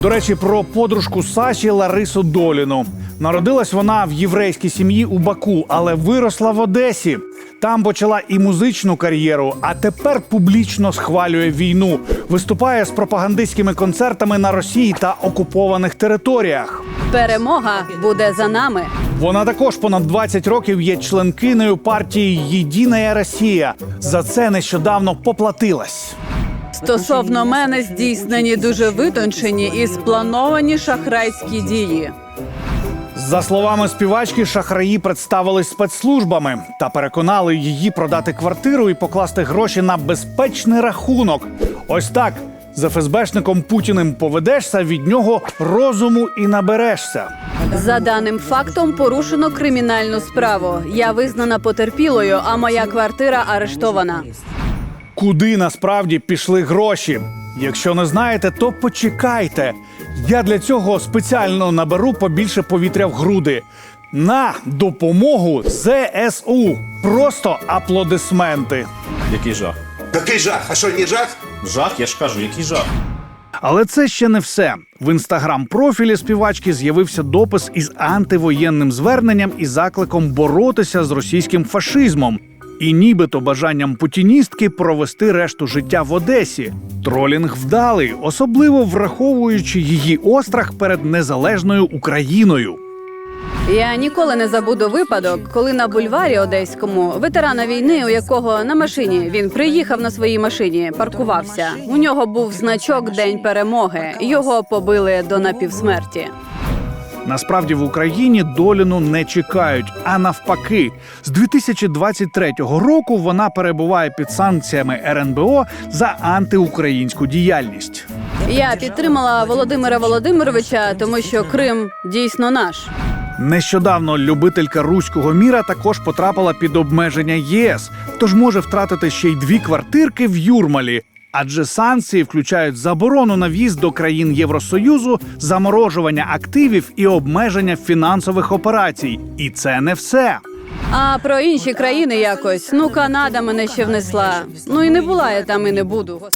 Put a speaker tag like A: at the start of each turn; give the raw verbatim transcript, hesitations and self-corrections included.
A: До речі, про подружку Саші Ларису Доліну. Народилась вона в єврейській сім'ї у Баку, але виросла в Одесі. Там почала і музичну кар'єру, а тепер публічно схвалює війну. Виступає з пропагандистськими концертами на Росії та окупованих територіях.
B: Перемога буде за нами.
A: Вона також понад двадцять років є членкинею партії «Єдина Росія». За це нещодавно поплатилась.
B: Стосовно мене здійснені дуже витончені і сплановані шахрайські дії.
A: За словами співачки, шахраї представились спецслужбами та переконали її продати квартиру і покласти гроші на безпечний рахунок. Ось так. З еф ес бешником Путіним поведешся, від нього розуму і наберешся.
B: За даним фактом порушено кримінальну справу. Я визнана потерпілою, а моя квартира арештована.
A: Куди насправді пішли гроші? Якщо не знаєте, то почекайте. Я для цього спеціально наберу побільше повітря в груди. На допомогу зе ес у. Просто аплодисменти.
C: Який жах?
D: Який жах? А що, не жах?
C: Жах, я ж кажу, який жах.
A: Але це ще не все. В інстаграм-профілі співачки з'явився допис із антивоєнним зверненням і закликом боротися з російським фашизмом. І нібито бажанням путіністки провести решту життя в Одесі. Тролінг вдалий, особливо враховуючи її острах перед незалежною Україною.
B: Я ніколи не забуду випадок, коли на бульварі Одеському ветерана війни, у якого на машині, він приїхав на своїй машині, паркувався. У нього був значок «День перемоги». Його побили до напівсмерті.
A: Насправді в Україні Доліну не чекають, а навпаки. З дві тисячі двадцять третього року вона перебуває під санкціями ер ен бе о за антиукраїнську діяльність.
B: Я підтримала Володимира Володимировича, тому що Крим дійсно наш.
A: Нещодавно любителька руського міра також потрапила під обмеження є ес, тож може втратити ще й дві квартирки в Юрмалі. Адже санкції включають заборону на в'їзд до країн Євросоюзу, заморожування активів і обмеження фінансових операцій. І це не все.
B: А про інші країни якось, ну, Канада мене ще внесла. Ну і не була я там, і не буду.